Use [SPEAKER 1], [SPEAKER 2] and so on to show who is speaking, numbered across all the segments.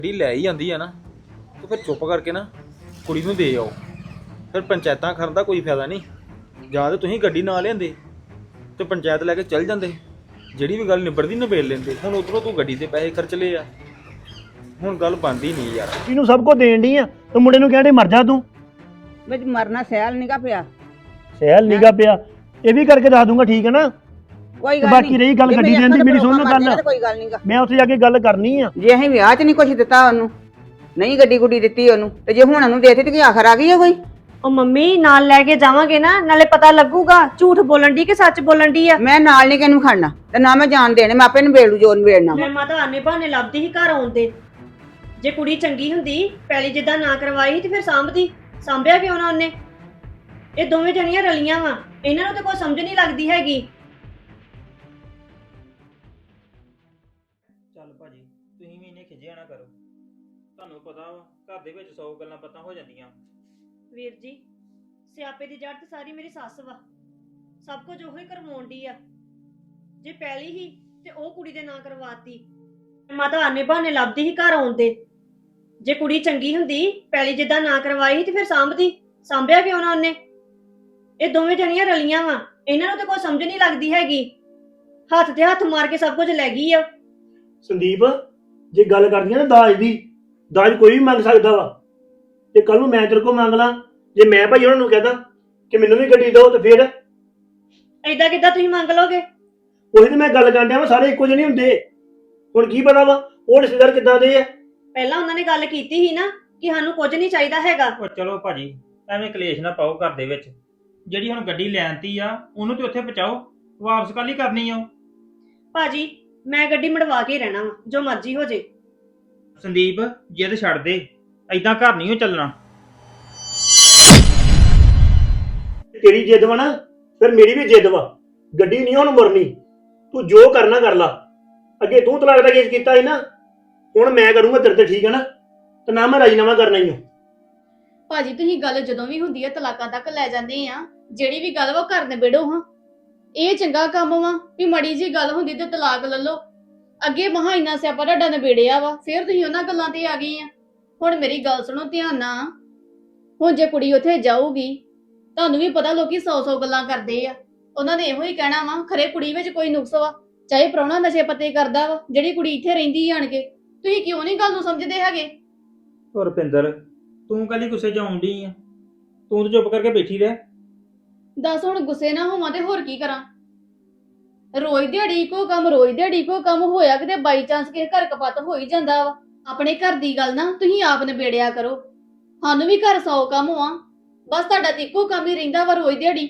[SPEAKER 1] ਜਿਹੜੀ ਲੈ ਹੀ ਜਾਂਦੀ ਆ ਨਾ ਤੇ ਫਿਰ ਚੁੱਪ ਕਰਕੇ ਨਾ ਕੁੜੀ ਨੂੰ ਦੇ ਆਓ। ਫਿਰ ਪੰਚਾਇਤਾਂ ਕਰਨ ਦਾ ਕੋਈ ਫਾਇਦਾ ਨਹੀਂ। ਜਾਂ ਤਾਂ ਤੁਸੀਂ ਗੱਡੀ ਨਾ ਲਿਆਂਦੇ ਤੇ ਪੰਚਾਇਤ ਲੈ ਕੇ ਚੱਲ ਜਾਂਦੇ, ਜਿਹੜੀ ਵੀ ਗੱਲ ਨਿਬੜਦੀ ਨਿਬੇੜ ਲੈਂਦੇ। ਹੁਣ ਉਧਰੋਂ ਤੂੰ ਗੱਡੀ ਤੇ ਪੈਸੇ ਖਰਚ ਲਏ ਆ, ਹੁਣ ਗੱਲ ਬਣਦੀ ਨਹੀਂ ਯਾਰ।
[SPEAKER 2] ਇਹਨੂੰ ਸਭ ਕੁਝ ਦੇਣ ਡਈ ਆ ਤੂੰ ਮੁੰਡੇ ਨੂੰ ਕਹਿੰਦੇ ਮਰ ਜਾ ਤੂੰ।
[SPEAKER 3] ਵਿੱਚ ਮਰਨਾ ਸਹਿਲ ਨੀਗਾ ਪਿਆ।
[SPEAKER 2] ਸਹਿਲ ਨੀਗਾ ਪਿਆ, ਇਹ ਵੀ ਕਰਕੇ ਦੱਸ ਦੂੰਗਾ, ਠੀਕ ਹੈ ਨਾ।
[SPEAKER 3] ਕੋਈ
[SPEAKER 2] ਤੇ
[SPEAKER 3] ਗੱਲ
[SPEAKER 2] ਬਾਕੀ
[SPEAKER 3] ਨਹੀਂ,
[SPEAKER 2] ਰਹੀ ਗੱਲ ਗੱਡੀ ਦੇਣ ਦੀ, ਮੇਰੀ ਸੁਣ ਲਓ ਗੱਲ।
[SPEAKER 3] ਕੋਈ ਗੱਲ ਨਹੀਂਗਾ,
[SPEAKER 2] ਮੈਂ ਉੱਥੇ ਜਾ ਕੇ ਗੱਲ ਕਰਨੀ ਆ।
[SPEAKER 3] ਜੇ ਅਸੀਂ ਵਿਆਹ 'ਚ ਨਹੀਂ ਕੁਝ ਦਿੱਤਾ ਉਹਨੂੰ, ਨਹੀਂ ਗੱਡੀ ਗੁੱਡੀ ਦਿੱਤੀ ਉਹਨੂੰ, ਤੇ ਜੇ ਹੁਣ ਉਹਨੂੰ ਦੇਤੀ ਤੇ ਕੀ ਆਖਰ ਆ ਗਈ ਹੈ ਕੋਈ?
[SPEAKER 4] ਉਹ ਮੰਮੀ ਨਾਲ ਲੈ ਕੇ ਜਾਵਾਂਗੇ ਨਾ, ਨਾਲੇ ਪਤਾ ਲੱਗੂਗਾ ਝੂਠ ਬੋਲਣ ਦੀ ਕਿ ਸੱਚ ਬੋਲਣ ਦੀ ਆ।
[SPEAKER 3] ਮੈਂ ਨਾਲ ਨਹੀਂ ਕਿਹਨੂੰ ਖੜਨਾ ਤੇ ਨਾ ਮੈਂ ਜਾਣ ਦੇਣੇ, ਮੈਂ ਆਪੇ ਨਿਬੇੜੂ ਜੋ ਨਿਬੇੜਨਾ।
[SPEAKER 4] ਮੈਂ ਮਾਤਾ ਆਨੇ ਬਹਾਨੇ ਲੱਭਦੀ ਸੀ ਘਰ ਆਉਂਦੇ। ਜੇ ਕੁੜੀ ਚੰਗੀ ਹੁੰਦੀ, ਪੈਲੀ ਜਿੱਦਾਂ ਨਾ ਕਰਵਾਈ ਤੇ ਫਿਰ ਸਾਂਭਦੀ। ਸਾਂਭਿਆ ਕਿਉਂ ਨਾ ਉਹਨੇ? ਇਹ ਦੋਵੇਂ ਜਣੀਆਂ ਰਲੀਆਂ ਵਾ, ਇਹਨਾਂ ਨੂੰ ਤਾਂ ਕੋਈ ਸਮਝ ਨਹੀਂ ਲੱਗਦੀ ਹੈਗੀ।
[SPEAKER 1] ਚੱਲ ਭਾਜੀ, ਤੁਸੀਂ ਵੀ ਇਹਨੇ ਖਿਜਿਆ ਨਾ ਕਰੋ। ਤੁਹਾਨੂੰ ਪਤਾ ਵਾ ਘਰ ਦੇ ਵਿੱਚ 100 ਗੱਲਾਂ ਪਤਾ ਹੋ ਜਾਂਦੀਆਂ।
[SPEAKER 4] ਵੀਰ ਜੀ, ਸਿਆਪੇ ਦੀ ਜੜ ਤੇ ਸਾਰੀ ਮੇਰੀ ਸੱਸ ਵਾ। ਸਭ ਕੁਝ ਉਹੀ ਕਰਵਾਉਣ ਡਈ ਆ। ਜੇ ਪੈਲੀ ਹੀ ਤੇ ਉਹ ਕੁੜੀ ਦੇ ਨਾਂ ਕਰਵਾਤੀ। ਮਾਤਾ ਆਨੇ ਬਹਾਨੇ ਲੱਭਦੀ ਸੀ ਘਰ ਆਉਂਦੇ। ਜੇ ਕੁੜੀ ਚੰਗੀ ਹੁੰਦੀ, ਪੈਲੀ ਜਿੱਦਾਂ ਨਾ ਕਰਵਾਈ ਤੇ ਫਿਰ ਸਾਂਭਦੀ। ਸਾਂਭਿਆ ਕਿਉਂ ਨਾ ਉਹਨੇ? ਇਹ ਦੋਵੇਂ ਜਣੀਆਂ ਰਲੀਆਂ ਵਾ, ਇਹਨਾਂ ਨੂੰ ਤਾਂ ਕੋਈ ਸਮਝ ਨਹੀਂ ਲੱਗਦੀ ਹੈਗੀ। ਹੱਥ ਤੇ ਹੱਥ ਮਾਰ ਕੇ ਸਭ ਕੁਝ ਲੈ ਗਈ ਆ।
[SPEAKER 2] ਸੰਦੀਪ, ਜੇ ਗੱਲ ਕਰਦੀ ਆ ਨਾ ਦਾਜ ਦੀ, ਦਾਜ ਕੋਈ ਵੀ ਮੰਗ ਸਕਦਾ ਵਾ। ਤੇ ਕੱਲ ਨੂੰ ਮੈਂ ਤੇਰੇ ਕੋਲ ਮੰਗ ਲਾਂ, ਜੇ ਮੈਂ ਭਾਈ ਉਹਨਾਂ ਨੂੰ ਕਹਦਾ ਕਿ ਮੈਨੂੰ ਵੀ ਗੱਡੀ ਦਿਓ, ਤੇ ਫਿਰ
[SPEAKER 4] ਏਦਾਂ ਕਿੱਦਾਂ ਤੁਸੀਂ ਮੰਗ ਲਓਗੇ?
[SPEAKER 2] ਉਹੀ ਤੇ ਮੈਂ ਗੱਲ ਕਰਨ ਡਿਆ ਵਾ, ਸਾਰੇ ਇੱਕੋ ਜਿਹੇ ਨਹੀਂ ਹੁੰਦੇ। ਹੁਣ ਕੀ ਪਤਾ ਵਾ ਉਹ ਰਿਸ਼ਤੇਦਾਰ ਕਿੱਦਾਂ ਦੇ ਆ।
[SPEAKER 4] ਪਹਿਲਾਂ ਉਹਨਾਂ ਨੇ ਗੱਲ ਕੀਤੀ ਸੀ ਨਾ ਕਿ ਸਾਨੂੰ ਕੁਝ ਨਹੀਂ ਚਾਹੀਦਾ ਹੈਗਾ।
[SPEAKER 5] ਉਹ ਚਲੋ ਭਾਜੀ, ਐਵੇਂ ਕਲੇਸ਼ ਨਾ ਪਾਓ ਘਰ ਦੇ ਵਿੱਚ। ਜਿਹੜੀ ਹੁਣ ਗੱਡੀ ਲੈਣਤੀ ਆ ਉਹਨੂੰ ਤੇ ਉੱਥੇ ਪਹੁੰਚਾਓ, ਵਾਪਸ ਕੱਲ ਹੀ ਕਰਨੀ ਆ ਉਹ।
[SPEAKER 4] ਭਾਜੀ, ਮੈਂ ਗੱਡੀ ਮੜਵਾ ਕੇ ਹੀ ਰਹਿਣਾ ਵਾ, ਜੋ ਮਰਜ਼ੀ ਹੋ ਜੇ।
[SPEAKER 5] ਸੰਦੀਪ, ਜਿੱਦ ਛੱਡ ਦੇ, ਐਦਾਂ ਘਰ ਨਹੀਂ ਉਹ ਚੱਲਣਾ।
[SPEAKER 2] ਤੇਰੀ ਜਿੱਦ ਵਾ ਨਾ, ਫਿਰ ਮੇਰੀ ਵੀ ਜਿੱਦ ਵਾ। ਗੱਡੀ ਨਹੀਂ ਹੁਣ ਮੁਰਨੀ, ਤੂੰ ਜੋ ਕਰਨਾ ਕਰ ਲਾ। ਅੱਗੇ ਤੂੰ ਤਲਾਕ ਦਾ ਕੇਸ ਕੀਤਾ ਸੀ ਨਾ, ਹੁਣ ਮੈਂ ਕਰੂੰਗਾ ਤੇਰੇ ਤੇ, ਠੀਕ ਹੈ ਨਾ। ਤੇ ਨਾ ਮੈਂ ਰਾਜੀਨਾਮਾ ਕਰਨਾ ਹੀ ਆ।
[SPEAKER 6] ਭਾਜੀ ਤੁਸੀਂ ਗੱਲ ਜਦੋਂ ਵੀ ਹੁੰਦੀ ਹੈ ਤਲਾਕਾਂ ਤੱਕ ਲੈ ਜਾਂਦੇ ਆ। ਜਿਹੜੀ ਵੀ ਗੱਲ ਵਾ ਉਹ ਘਰ ਨਿਬੇੜੋ ਹਾਂ। ਇਹ ਚੰਗਾ ਕੰਮ ਵਾ ਵੀ ਮੜੀ ਜੀ ਗੱਲ ਹੁੰਦੀ ਤੇ ਤਲਾਕ ਲੈ ਲਓ। ਅੱਗੇ ਮਹਾ ਇੰਨਾ ਸਿਆਪਾ ਤੁਹਾਡਾ ਨਿਬੇੜਿਆ ਵਾ, ਫਿਰ ਤੁਸੀਂ ਉਹਨਾਂ ਗੱਲਾਂ ਤੇ ਆ ਗਏ ਆ। ਹੁਣ ਮੇਰੀ ਗੱਲ ਸੁਣੋ ਧਿਆਨ ਨਾਲ। ਹੁਣ ਜੇ ਕੁੜੀ ਉੱਥੇ ਜਾਊਗੀ, ਤੁਹਾਨੂੰ ਵੀ ਪਤਾ ਲੋਕੀ 100 ਗੱਲਾਂ ਕਰਦੇ ਆ। ਉਹਨਾਂ ਨੇ ਇਹੋ ਹੀ ਕਹਿਣਾ ਵਾ ਖਰੇ ਕੁੜੀ ਵਿੱਚ ਕੋਈ ਨੁਕਸ ਵਾ, ਚਾਹੇ ਪ੍ਰਾਹੁਣਾ ਨਸ਼ੇ ਪੱਤੇ ਕਰਦਾ ਵਾ, ਜਿਹੜੀ ਕੁੜੀ ਇੱਥੇ ਰਹਿੰਦੀ ਆਣ ਕੇ। ਤੁਸੀਂ ਕਿਉਂ ਨਹੀਂ ਗੱਲ ਨੂੰ ਸਮਝਦੇ ਹੈਗੇ?
[SPEAKER 5] ਉਹ ਰੁਪਿੰਦਰ, ਤੂੰ ਕੱਲੀ ਗੁੱਸੇ 'ਚ ਆਉਣ ਡਈ ਆ? ਤੂੰ ਤਾਂ ਚੁੱਪ ਕਰਕੇ ਬੈਠੀ ਰਹਿ।
[SPEAKER 6] ਦੱਸ ਹੁਣ ਗੁੱਸੇ ਨਾ ਹੋਵਾਂ ਤੇ ਹੋਰ ਕੀ ਕਰਾਂ? ਰੋਜ਼ ਦਿਹਾੜੀ ਕੋ ਕੰਮ, ਰੋਜ਼ ਦਿਹਾੜੀ ਕੋ ਕੰਮ ਹੋਇਆ ਕਿਤੇ ਬਾਈ ਚਾਂਸ ਕਿਸੇ ਘਰ ਕਪੱਤ ਹੋ ਹੀ ਜਾਂਦਾ ਵਾ। ਆਪਣੇ ਘਰ ਦੀ ਗੱਲ ਨਾ ਤੁਸੀਂ ਆਪ ਨਿਬੇੜਿਆ ਕਰੋ। ਸਾਨੂੰ ਵੀ ਘਰ 100 ਕੰਮ ਆ, ਬਸ ਤੁਹਾਡਾ ਤੇ ਇੱਕੋ ਕੰਮ ਹੀ ਰਹਿੰਦਾ ਵਾ, ਰੋਜ਼ ਦਿਹਾੜੀ।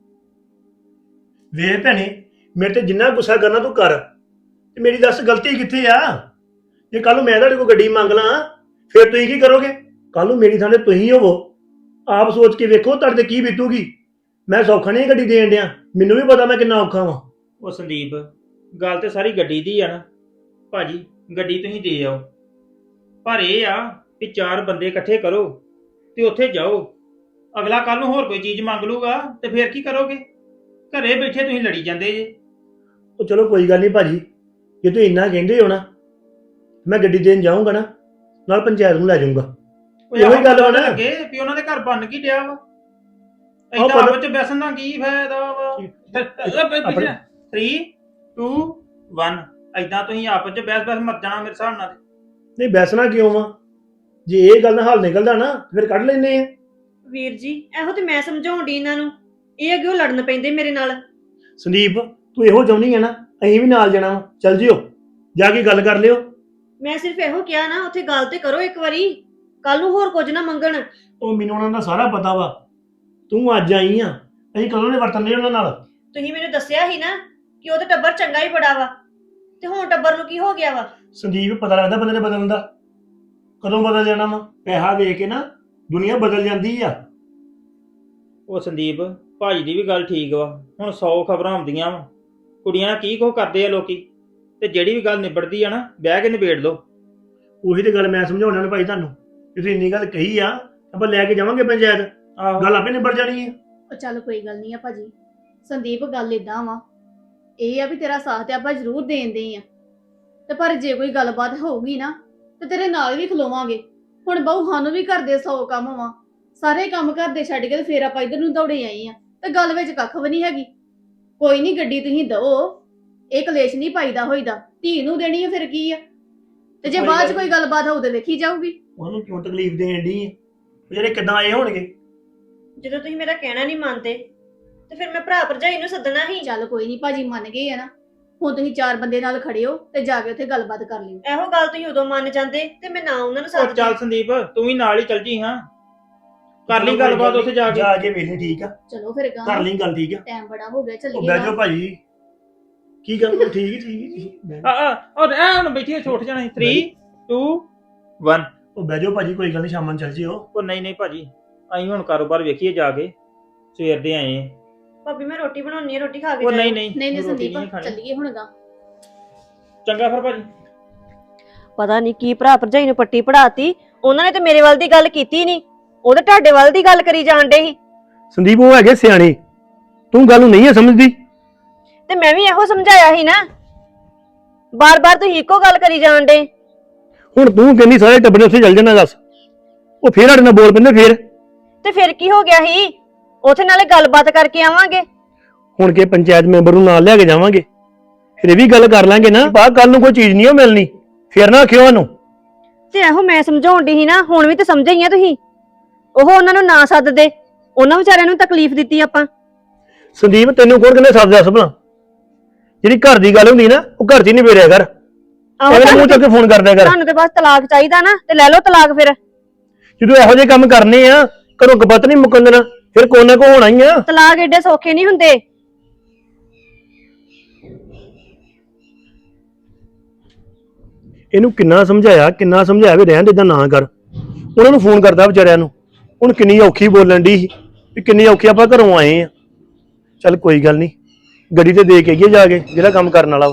[SPEAKER 2] ਵੇਖ ਭੈਣੇ, ਮੇਰੇ ਤੇ ਜਿੰਨਾ ਗੁੱਸਾ ਕਰਨਾ ਤੂੰ ਕਰ, ਤੇ ਮੇਰੀ ਦੱਸ ਗਲਤੀ ਕਿੱਥੇ ਆ? ਜੇ ਕੱਲ ਨੂੰ ਮੈਂ ਤੁਹਾਡੇ ਕੋਲ ਗੱਡੀ ਮੰਗ ਲਾਂ, ਫਿਰ ਤੁਸੀਂ ਕੀ ਕਰੋਗੇ? ਕੱਲ ਨੂੰ ਮੇਰੀ ਥਾਂ ਤੇ ਤੁਸੀਂ ਹੋਵੋ, ਆਪ ਸੋਚ ਕੇ ਵੇਖੋ ਤੁਹਾਡੇ ਤੇ ਕੀ ਬੀਤੂਗੀ। ਮੈਂ ਸੌਖਾ ਨਹੀਂ ਗੱਡੀ ਦੇਣ ਡਿਆ, ਮੈਨੂੰ ਵੀ ਪਤਾ ਮੈਂ ਕਿੰਨਾ ਔਖਾ ਵਾਂ।
[SPEAKER 5] ਉਹ ਸੰਦੀਪ, ਗੱਲ ਤੇ ਸਾਰੀ ਗੱਡੀ ਦੀ ਆ ਨਾ। ਭਾਜੀ, ਗੱਡੀ ਤੁਸੀਂ ਦੇ ਆਓ, ਪਰ ਇਹ ਆ ਕਿ 4 ਬੰਦੇ ਇਕੱਠੇ ਕਰੋ ਤੇ ਉੱਥੇ ਜਾਓ। ਅਗਲਾ ਕੱਲ ਨੂੰ ਹੋਰ ਕੋਈ ਚੀਜ਼ ਮੰਗ ਲੂਗਾ ਤੇ ਫਿਰ ਕੀ ਕਰੋਗੇ? ਘਰੇ ਬੈਠੇ ਤੁਸੀਂ ਲੜੀ ਜਾਂਦੇ ਜੇ।
[SPEAKER 2] ਉਹ ਚਲੋ ਕੋਈ ਗੱਲ ਨਹੀਂ ਭਾਜੀ, ਜੇ ਤੁਸੀਂ ਇੰਨਾ ਕਹਿੰਦੇ ਹੋ ਨਾ, ਮੈਂ ਗੱਡੀ ਦੇਣ ਜਾਊਂਗਾ ਨਾ, ਨਾਲ ਪੰਚਾਇਤ ਨੂੰ ਲੈ ਜਾਊਂਗਾ।
[SPEAKER 5] ਉਹ
[SPEAKER 2] ਇਹੋ ਹੀ ਗੱਲ ਵਾ ਨਾ।
[SPEAKER 5] ਲੱਗੇ ਵੀ ਉਹਨਾਂ ਦੇ ਘਰ ਬਣ ਕੀ ਡਿਆ ਵਾ।
[SPEAKER 2] ਆਹ
[SPEAKER 5] ਏਦਾਂ
[SPEAKER 2] ਪਤਾ-
[SPEAKER 5] ਆਪਸ ਚ ਬੈਸਣ ਦਾ ਕੀ ਫਾਇਦਾ ਵਾ?
[SPEAKER 2] ਆਪਣੇ-
[SPEAKER 5] 3 2 1 ਏਦਾਂ ਤੁਸੀਂ ਆਪਸ ਚ ਬਹਿਸ ਮਰ ਜਾਣਾ ਮੇਰੇ ਹਿਸਾਬ ਨਾਲ।
[SPEAKER 2] ਨਹੀਂ ਬੈਸਣਾ ਕਿਉਂ ਵਾ? ਜੇ ਇਹ ਗੱਲ ਦਾ ਹੱਲ ਨਿਕਲਦਾ ਨਾ, ਫਿਰ ਕੱਢ ਲੈਨੇ ਆ।
[SPEAKER 4] ਵੀਰ ਜੀ, ਇਹੋ ਤੇ ਮੈਂ ਸਮਝਾਉਣ ਡਈ ਇਹਨਾਂ ਨੂੰ, ਇਹ ਅੱਗੇ ਲੜਨ ਪੈਂਦੇ ਮੇਰੇ ਨਾਲ।
[SPEAKER 2] ਸੰਦੀਪ, ਤੂੰ ਇਹੋ ਚਾਹੁੰਦੀ ਹੈ ਨਾ, ਅਸੀਂ ਵੀ ਨਾਲ ਜਾਣਾ ਵਾ। ਚੱਲ ਜਿਓ, ਜਾ ਕੇ ਗੱਲ ਕਰ ਲਿਓ।
[SPEAKER 4] ਮੈਂ ਸਿਰਫ ਇਹੋ ਕਿਹਾ ਨਾ, ਉੱਥੇ ਗੱਲ ਤੇ ਕਰੋ ਇੱਕ ਵਾਰੀ, ਕੱਲ ਨੂੰ ਹੋਰ ਕੁਝ ਨਾ ਮੰਗਣ।
[SPEAKER 2] ਉਹ ਮੈਨੂੰ ਉਹਨਾਂ ਦਾ ਸਾਰਾ ਪਤਾ ਵਾ, ਤੂੰ ਅੱਜ ਆਈ ਆ, ਅਸੀਂ ਕਦੋਂ ਦੇ ਵਰਤਨ ਦੇ ਉਹਨਾਂ ਨਾਲ।
[SPEAKER 4] ਤੁਸੀਂ ਮੈਨੂੰ ਦੱਸਿਆ ਸੀ ਨਾ ਕਿ ਉਹ ਤੇ ਟੱਬਰ ਚੰਗਾ ਹੀ ਬੜਾ ਵਾ, ਤੇ ਹੁਣ ਟੱਬਰ ਨੂੰ ਕੀ ਹੋ ਗਿਆ ਵਾ?
[SPEAKER 2] ਸੰਦੀਪ, ਪਤਾ ਲੱਗਦਾ ਬੰਦੇ ਨੇ ਬਦਲਣ ਦਾ, ਕਦੋਂ ਬਦਲ ਜਾਣਾ ਵਾ। ਪੈਸਾ ਵੇਖ ਕੇ ਨਾ ਦੁਨੀਆ ਬਦਲ ਜਾਂਦੀ ਆ।
[SPEAKER 5] ਉਹ ਸੰਦੀਪ, ਭਾਜੀ ਦੀ ਵੀ ਗੱਲ ਠੀਕ ਵਾ। ਹੁਣ 100 ਖਬਰਾਂ ਆਉਂਦੀਆਂ ਵਾ, ਕੁੜੀਆਂ ਕੀ ਕੁਛ ਕਰਦੇ ਆ ਲੋਕੀ। ਤੇ ਜਿਹੜੀ ਵੀ ਗੱਲ ਨਿਬੜਦੀ ਆ ਨਾ, ਬਹਿ ਕੇ ਨਿਬੇੜ ਲਓ।
[SPEAKER 2] ਉਹੀ ਤੇ ਗੱਲ ਮੈਂ ਸਮਝਾਉਣਾ ਨੇ ਭਾਈ ਤੁਹਾਨੂੰ, ਕਿ ਤੁਸੀਂ ਇੰਨੀ ਗੱਲ ਕਹੀ ਆ, ਆਪਾਂ ਲੈ ਕੇ ਜਾਵਾਂਗੇ ਪੰਚਾਇਤ,
[SPEAKER 5] ਆਹੋ,
[SPEAKER 2] ਗੱਲ ਆਪੇ ਨਿਬੜ ਜਾਣੀ ਹੈ।
[SPEAKER 6] ਉਹ ਚੱਲ ਕੋਈ ਗੱਲ ਨਹੀਂ ਆ ਭਾਜੀ। ਸੰਦੀਪ, ਗੱਲ ਏਦਾਂ ਵਾ, ਇਹ ਆ ਵੀ ਤੇਰਾ ਸਾਥ ਤੇ ਆਪਾਂ ਜ਼ਰੂਰ ਦੇਂਦੇ ਆ, ਤੇ ਪਰ ਜੇ ਕੋਈ ਗੱਲਬਾਤ ਹੋਊਗੀ ਨਾ, ਤੇ ਤੇਰੇ ਨਾਲ ਵੀ ਖਲੋਵਾਂਗੇ। ਹੁਣ ਬਹੂ ਸਾਨੂੰ ਵੀ ਘਰ ਦੇ 100 ਕੰਮ ਵਾ, ਸਾਰੇ ਕੰਮ ਘਰ ਦੇ ਛੱਡ ਕੇ ਤੇ ਫੇਰ ਆਪਾਂ ਇਧਰ ਨੂੰ ਦੌੜੇ ਆਏ ਆ, ਤੇ ਗੱਲ ਵਿੱਚ ਕੱਖ ਵੀ ਨਹੀਂ ਹੈਗੀ। ਕੋਈ ਨਹੀਂ, ਗੱਡੀ ਤੁਸੀਂ ਦਓ, ਇਹ ਕਲੇਸ਼ ਨਹੀਂ ਪਾਈਦਾ ਹੋਈਦਾ। ਧੀ ਨੂੰ ਦੇਣੀ ਆ ਫਿਰ ਕੀ ਆ, ਤੇ ਜੇ ਬਾਅਦ ਚ ਕੋਈ ਗੱਲਬਾਤ ਹੋਊ ਤੇ ਵੇਖੀ ਜਾਊਗੀ।
[SPEAKER 2] ਉਹਨੂੰ ਕਿਉਂ ਤਕਲੀਫ ਦੇਣ ਦੀ ਜਿਹੜੇ ਕਿਦਾਂ ਆਏ ਹੋਣਗੇ।
[SPEAKER 4] ਜਦੋਂ ਤੁਸੀਂ ਮੇਰਾ ਕਹਿਣਾ ਨਹੀਂ ਮੰਨਦੇ ਤੇ ਫਿਰ ਮੈਂ ਭਰਾ ਭਰਜਾਈ ਨੂੰ ਸੱਦਣਾ ਸੀ।
[SPEAKER 6] ਚੱਲ ਕੋਈ ਨਹੀਂ, ਭਾਜੀ ਮੰਨ ਗਏ ਆ ਨਾ, ਹੁਣ ਤੁਸੀਂ 4 ਬੰਦੇ ਨਾਲ ਖੜੇ ਹੋ ਤੇ ਜਾ ਕੇ ਉੱਥੇ ਗੱਲਬਾਤ ਕਰ ਲਿਓ।
[SPEAKER 4] ਇਹੋ ਗੱਲ ਤੁਸੀਂ ਉਦੋਂ ਮੰਨ ਜਾਂਦੇ ਤੇ ਮੈਂ ਨਾ ਉਹਨਾਂ ਨੂੰ
[SPEAKER 5] ਉਹ
[SPEAKER 4] ਸੱਦਦੀ।
[SPEAKER 5] ਚੱਲ ਸੰਦੀਪ, ਤੂੰ ਵੀ ਨਾਲ ਹੀ ਚੱਲ ਜੀ। ਹਾਂ, ਕਰ ਲਈ ਗੱਲਬਾਤ ਉੱਥੇ ਜਾ ਕੇ।
[SPEAKER 2] ਜਾ ਕੇ ਵੇਲੇ ਠੀਕ ਆ,
[SPEAKER 6] ਚਲੋ ਫਿਰ
[SPEAKER 2] ਕਰ ਲਈ ਗੱਲ ਠੀਕ ਆ।
[SPEAKER 6] ਟਾਈਮ ਬੜਾ ਹੋ ਗਿਆ,
[SPEAKER 2] ਉਹ
[SPEAKER 6] ਚੱਲੀਏ
[SPEAKER 2] ਬਹਿ
[SPEAKER 6] ਨਾ।
[SPEAKER 2] ਜਾਓ ਭਾਜੀ, ਕੀ ਗੱਲ ਉਹ ਠੀਕ ਠੀਕ
[SPEAKER 5] ਉਹ ਐ ਹੁਣ ਬੈਠੀ ਛੋਟ ਜਾਣਾ 3 2 1।
[SPEAKER 2] ਉਹ ਬਹਿ ਜਾਓ ਭਾਜੀ, ਕੋਈ ਗੱਲ ਨਹੀਂ, ਸ਼ਾਮਾਂ ਨੂੰ ਚੱਲ ਜਿਓ।
[SPEAKER 5] ਉਹ ਨਹੀਂ ਭਾਜੀ, ਅਸੀਂ ਹੁਣ ਕਾਰੋਬਾਰ ਵੇਖੀਏ ਜਾ ਕੇ, ਸਵੇਰ ਦੇ ਆਏ ਆ।
[SPEAKER 4] ਭਾਬੀ ਮੈਂ ਰੋਟੀ ਬਣਾਉਣੀ ਹੈ, ਰੋਟੀ ਖਾ ਕੇ
[SPEAKER 5] ਉਹ
[SPEAKER 4] ਜਾਇਓ।
[SPEAKER 5] ਨਹੀਂ
[SPEAKER 6] ਨਹੀਂ
[SPEAKER 5] ਰੋਟੀ
[SPEAKER 6] ਸੰਦੀਪ,
[SPEAKER 5] ਨਹੀਂ ਖਾਣੀ।
[SPEAKER 6] ਚੱਲੀਏ ਹੁਣ ਗਾ।
[SPEAKER 5] ਚੰਗਾ ਫਿਰ ਭਾਜੀ।
[SPEAKER 4] ਪਤਾ ਨਹੀਂ ਕੀ ਭਰਾ ਭਰਜਾਈ ਨੂੰ ਪੱਟੀ ਪੜਾਤੀ। ਉਹਨਾਂ ਨੇ ਤੇ ਮੇਰੇ ਵੱਲ ਦੀ ਗੱਲ ਕੀਤੀ ਨਹੀਂ, ਉਹ ਤਾਂ ਤੁਹਾਡੇ ਵੱਲ ਦੀ ਗੱਲ ਕਰੀ ਜਾਣ ਡੇ ਸੀ।
[SPEAKER 2] ਸੰਦੀਪ ਉਹ ਹੈਗੇ ਸਿਆਣੇ, ਤੂੰ ਗੱਲ ਨੂੰ ਨਹੀਂ ਸਮਝਦੀ।
[SPEAKER 4] ਤੇ ਮੈਂ ਵੀ ਇਹੋ ਸਮਝਾਇਆ ਸੀ ਨਾ, ਬਾਰ-ਬਾਰ ਤੁਸੀਂ ਇੱਕੋ ਗੱਲ ਕਰੀ ਜਾਣ ਡੇ।
[SPEAKER 2] ਹੁਣ ਤੂੰ ਕਹਿੰਦੀ ਸਾਰੇ ਟੱਬਰ ਨੇ ਉੱਥੇ ਚੱਲ ਜਾਣਾ, ਦੱਸ ਉਹ ਫੇਰ ਸਾਡੇ ਨਾਲ ਬੋਲ ਪੈਂਦੇ ਫੇਰ।
[SPEAKER 4] ਤੇ ਫਿਰ ਕੀ ਹੋ ਗਿਆ ਸੀ, ਉਥੇ ਨਾਲੇ ਗੱਲਬਾਤ ਕਰਕੇ ਆਵਾਂਗੇ।
[SPEAKER 2] ਹੁਣ ਕੇ ਪੰਚਾਇਤ ਮੈਂਬਰ ਨੂੰ ਨਾਲ ਲਿਆ ਕੇ ਜਾਵਾਂਗੇ, ਫਿਰ ਇਹ ਵੀ ਗੱਲ ਕਰ ਲਾਂਗੇ ਨਾ, ਬਾਹਰ ਕੱਲ ਨੂੰ ਕੋਈ ਚੀਜ਼ ਨਹੀਂ ਮਿਲਣੀ, ਫਿਰ ਨਾ ਆਖਿਓ ਉਹਨੂੰ।
[SPEAKER 4] ਤੇ ਇਹੋ ਮੈਂ ਸਮਝਾਉਣ ਦੀ ਸੀ ਨਾ, ਹੁਣ ਵੀ ਤੇ ਸਮਝੇ ਹੀ ਆ ਤੁਸੀਂ। ਉਹ ਉਹਨਾਂ ਨੂੰ ਨਾ ਸੱਦਦੇ, ਉਹਨਾਂ ਵਿਚਾਰਿਆਂ ਨੂੰ ਤਕਲੀਫ ਦਿੱਤੀ ਆਪਾਂ।
[SPEAKER 2] ਸੰਦੀਪ ਤੈਨੂੰ ਕੌਣ ਕਹਿੰਦਾ ਸੱਦ ਦੱਸ ਭਲਾ, ਜਿਹੜੀ ਘਰ ਦੀ ਗੱਲ ਹੁੰਦੀ ਨਾ ਉਹ ਘਰ 'ਚ ਹੀ ਨਿਬੇੜਿਆ ਕਰ, ਐਵੇਂ ਮੂੰਹ ਚੱਕ ਕੇ ਫੋਨ ਕਰਦਿਆ ਕਰ।
[SPEAKER 4] ਤੁਹਾਨੂੰ ਤੇ ਬਸ ਤਲਾਕ ਚਾਹੀਦਾ ਨਾ, ਤੇ ਲੈ ਲਓ ਤਲਾਕ ਫਿਰ।
[SPEAKER 2] ਜਦੋਂ ਇਹੋ ਜਿਹੇ ਕੰਮ ਕਰਨੇ ਆ, ਘਰੋਂ ਕਪੱਤ ਨਹੀਂ ਮੁੱਕਣ ਦੇਣਾ, ਫਿਰ ਕੋਈ ਨਾ ਕੋਈ ਹੋਣਾ ਹੀ ਆ।
[SPEAKER 4] ਤਲਾਕ ਏਡੇ ਸੌਖੇ ਨਹੀਂ ਹੁੰਦੇ।
[SPEAKER 2] ਇਹਨੂੰ ਕਿੰਨਾ ਸਮਝਾਇਆ ਵੀ ਰਹਿਣ ਦੇ, ਏਦਾਂ ਨਾ ਕਰ। ਉਹਨਾਂ ਨੂੰ ਫੋਨ ਕਰਦਾ ਵਿਚਾਰਿਆਂ ਨੂੰ, ਹੁਣ ਕਿੰਨੀ ਔਖੀ ਬੋਲਣ ਦੀ ਸੀ ਵੀ ਕਿੰਨੀ ਔਖੀ ਆਪਾਂ ਘਰੋਂ ਆਏ ਆ। ਚੱਲ ਕੋਈ ਗੱਲ ਨਹੀਂ, ਗੱਡੀ ਤੇ ਦੇ ਕੇ ਆਈਏ ਜਾ ਕੇ ਜਿਹੜਾ ਕੰਮ ਕਰਨ ਵਾਲਾ ਵਾ।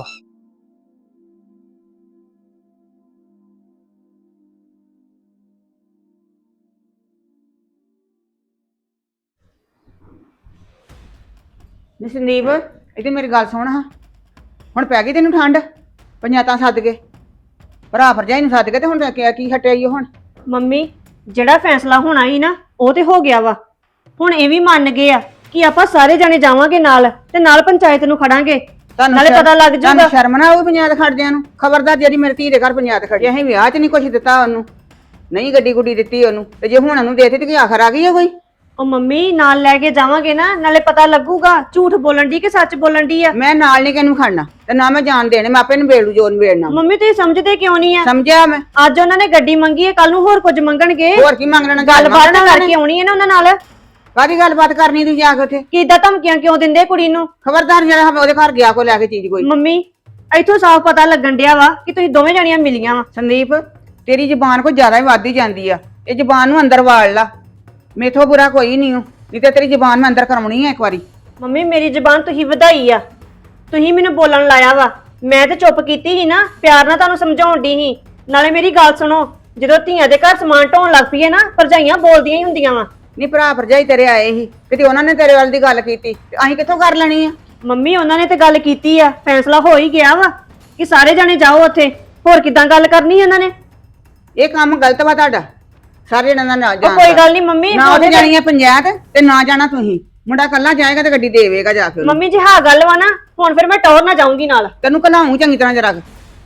[SPEAKER 3] ਨੀ ਸੰਦੀਪ, ਇਹਦੀ ਮੇਰੀ ਗੱਲ ਸੁਣ ਹਾਂ, ਹੁਣ ਪੈ ਗਈ ਤੈਨੂੰ ਠੰਡ? ਪੰਚਾਇਤਾਂ ਸੱਦ ਕੇ, ਭਰਾ ਭਰਜਾਈ ਨੂੰ ਸੱਦ ਕੇ, ਤੇ ਹੁਣ ਕੀ ਹਟਿਆਈ ਹੁਣ?
[SPEAKER 4] ਮੰਮੀ, ਜਿਹੜਾ ਫੈਸਲਾ ਹੋਣਾ ਸੀ ਨਾ, ਉਹ ਤੇ ਹੋ ਗਿਆ ਵਾ। ਹੁਣ ਇਹ ਵੀ ਮੰਨ ਗਏ ਆ ਕਿ ਆਪਾਂ ਸਾਰੇ ਜਣੇ ਜਾਵਾਂਗੇ ਨਾਲ, ਤੇ ਨਾਲ ਪੰਚਾਇਤ ਨੂੰ ਖੜਾਂਗੇ, ਨਾਲੇ ਪਤਾ ਲੱਗ ਜਾਊਗਾ।
[SPEAKER 3] ਤੁਹਾਨੂੰ ਸ਼ਰਮ ਨਾ ਆਊ ਪੰਚਾਇਤ ਖੜਦਿਆਂ ਨੂੰ? ਖਬਰਦਾਰ ਜਿਹੜੀ ਮੇਰੀ ਧੀ ਦੇ ਘਰ ਪੰਚਾਇਤ ਖੜੀ, ਅਸੀਂ ਵਿਆਹ 'ਚ ਨਹੀਂ ਕੁਛ ਦਿੱਤਾ ਉਹਨੂੰ, ਨਹੀਂ ਗੱਡੀ ਗੁੱਡੀ ਦਿੱਤੀ ਉਹਨੂੰ, ਤੇ ਜੇ ਹੁਣ ਉਹਨੂੰ ਦੇਤੀ ਤੇ ਕੀ ਆਖਰ ਆ ਗਈ ਹੈ ਕੋਈ?
[SPEAKER 4] ਉਹ ਮੰਮੀ, ਨਾਲ ਲੈ ਕੇ ਜਾਵਾਂਗੇ ਨਾ, ਨਾਲੇ ਪਤਾ ਲੱਗੂਗਾ ਝੂਠ ਬੋਲਣ ਦੀ ਕਿ ਸੱਚ ਬੋਲਣ ਦੀ ਆ।
[SPEAKER 3] ਮੈਂ ਨਾਲ ਨਹੀਂ ਕਿਹਨੂੰ ਖੜਨਾ, ਤੇ ਨਾ ਮੈਂ ਜਾਣ ਦੇਣੇ, ਮੈਂ ਆਪੇ ਨਿਬੇੜੂ ਜੋ ਨਿਬੇੜਨਾ।
[SPEAKER 4] ਮੰਮੀ ਤੁਸੀਂ ਸਮਝਦੇ ਕਿਉਂ ਨਹੀਂ ਆ?
[SPEAKER 3] ਸਮਝਿਆ ਮੈਂ।
[SPEAKER 4] ਅੱਜ ਉਹਨਾਂ ਨੇ ਗੱਡੀ ਮੰਗੀ ਹੈ, ਕੱਲ ਨੂੰ ਹੋਰ ਕੁਝ ਮੰਗਣਗੇ।
[SPEAKER 3] ਹੋਰ ਕੀ ਮੰਗਣਾ?
[SPEAKER 4] ਗੱਲਬਾਤ ਕਰਕੇ ਆਉਣੀ ਹੈ ਨਾ ਉਹਨਾਂ ਨਾਲ।
[SPEAKER 3] ਕਾਹਦੀ ਗੱਲਬਾਤ ਕਰਨੀ ਤੂੰ ਜਾ ਕੇ ਉੱਥੇ?
[SPEAKER 4] ਕਿੱਦਾਂ ਧਮਕੀਆਂ ਕਿਉਂ ਦਿੰਦੇ ਕੁੜੀ ਨੂੰ?
[SPEAKER 3] ਖਬਰਦਾਰ ਜਿਹੜਾ ਉਹਦੇ ਘਰ ਗਿਆ ਕੋਈ ਲੈ ਕੇ ਚੀਜ਼ ਕੋਈ।
[SPEAKER 4] ਮੰਮੀ, ਇੱਥੋਂ ਸਾਫ਼ ਪਤਾ ਲੱਗਣ ਡਿਆ ਵਾ ਕਿ ਤੁਸੀਂ ਦੋਵੇਂ ਜਣੀਆਂ ਮਿਲੀਆਂ ਵਾ।
[SPEAKER 3] ਸੰਦੀਪ, ਤੇਰੀ ਜ਼ੁਬਾਨ ਕੋਈ ਜ਼ਿਆਦਾ ਹੀ ਵੱਧ ਹੀ ਜਾਂਦੀ ਆ, ਇਹ ਜ਼ੁਬਾਨ ਨੂੰ ਅੰਦਰ ਵਾੜ ਲਾ, ਮੇਥੋਂ ਬੁਰਾ ਕੋਈ ਨਹੀਂ ਹੋ, ਨਹੀਂ ਤੇ ਤੇਰੀ ਜ਼ੁਬਾਨ ਮੈਂ ਅੰਦਰ ਕਰਵਾਉਣੀ ਆ ਇੱਕ ਵਾਰੀ।
[SPEAKER 4] ਮੰਮੀ, ਮੇਰੀ ਜ਼ੁਬਾਨ ਤੁਸੀਂ ਵਧਾਈ ਆ, ਤੁਸੀਂ ਮੈਨੂੰ ਬੋਲਣ ਲਾਇਆ ਵਾ। ਮੈਂ ਤੇ ਚੁੱਪ ਕੀਤੀ ਸੀ ਨਾ, ਪਿਆਰ ਨਾਲ ਤੁਹਾਨੂੰ ਸਮਝਾਉਣ ਦੀ ਸੀ। ਨਾਲੇ ਮੇਰੀ ਗੱਲ ਸੁਣੋ, ਜਦੋਂ ਧੀਆਂ ਦੇ ਘਰ ਸਮਾਨ ਢੋਣ ਲੱਗ ਪਈਏ ਨਾ, ਭਰਜਾਈਆਂ ਬੋਲਦੀਆਂ ਹੀ ਹੁੰਦੀਆਂ ਵਾ।
[SPEAKER 3] ਨਹੀਂ, ਭਰਾ ਭਰਜਾਈ ਤੇਰੇ ਆਏ ਸੀ, ਕਿਤੇ ਉਹਨਾਂ ਨੇ ਤੇਰੇ ਵੱਲ ਦੀ ਗੱਲ ਕੀਤੀ, ਤੇ ਅਸੀਂ ਕਿੱਥੋਂ ਕਰ ਲੈਣੀ ਆ?
[SPEAKER 4] ਮੰਮੀ, ਉਹਨਾਂ ਨੇ ਤੇ ਗੱਲ ਕੀਤੀ ਆ, ਫੈਸਲਾ ਹੋ ਹੀ ਗਿਆ ਵਾ ਕਿ ਸਾਰੇ ਜਣੇ ਜਾਓ ਉੱਥੇ। ਹੋਰ ਕਿਦਾਂ ਗੱਲ ਕਰਨੀ ਇਹਨਾਂ ਨੇ?
[SPEAKER 3] ਇਹ ਕੰਮ ਗਲਤ ਵਾ ਤੁਹਾਡਾ, ਸਾਰੇ ਜਣਾਂ ਦਾ ਨਾ
[SPEAKER 4] ਉਹ
[SPEAKER 3] ਜਾਣ।
[SPEAKER 4] ਕੋਈ ਗੱਲ ਨਹੀਂ ਮੰਮੀ,
[SPEAKER 3] ਨਾ ਉਹਦੇ ਜਾਣੀ ਆ ਪੰਚਾਇਤ, ਤੇ ਨਾ ਜਾਣਾ ਤੁਸੀਂ। ਮੁੰਡਾ ਕੱਲਾ ਜਾਏਗਾ ਤੇ ਗੱਡੀ ਦੇਵੇਗਾ ਜਾ ਕੇ ਉਹਨੂੰ।
[SPEAKER 4] ਮੰਮੀ ਜੀ ਹਾਂ ਗੱਲ ਵਾ ਨਾ, ਹੁਣ ਫਿਰ ਮੈਂ ਟੌਰ ਨਾ ਜਾਊਂਗੀ ਨਾਲ।
[SPEAKER 3] ਤੈਨੂੰ ਘਲਾਉਂ ਚੰਗੀ ਤਰ੍ਹਾਂ ਜਰਾ।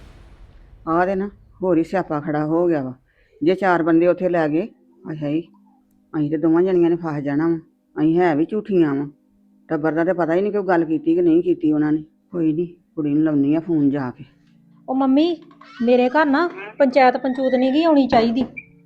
[SPEAKER 3] ਆਹ ਦੇ ਨਾ ਹੋਰ ਹੀ ਸਿਆਪਾ ਖੜਾ ਹੋ ਗਿਆ ਵਾ। ਜੇ 4 ਬੰਦੇ ਉੱਥੇ ਲੈ ਗਏ, ਅੱਛਾ ਜੀ, ਅਸੀਂ ਤੇ ਦੋਵਾਂ ਜਣੀਆਂ ਨੇ ਫਸ ਜਾਣਾ ਵਾ। ਅਸੀਂ ਹੈ ਵੀ ਝੂਠੀਆਂ ਵਾ, ਟੱਬਰ ਦਾ ਤੇ ਪਤਾ ਹੀ ਨਹੀਂ ਕਿ ਉਹ ਗੱਲ ਕੀਤੀ ਕਿ ਨਹੀਂ ਕੀਤੀ ਉਹਨਾਂ ਨੇ। ਕੋਈ ਨਹੀਂ, ਕੁੜੀ ਨੂੰ ਲਾਉਣੀ ਆ ਫੋਨ ਜਾ ਕੇ।
[SPEAKER 7] ਉਹ ਮੰਮੀ, ਮੇਰੇ ਘਰ ਨਾ ਪੰਚਾਇਤ ਪੰਚੂਤ ਨਹੀਂ ਗਈ ਆਉਣੀ ਚਾਹੀਦੀ।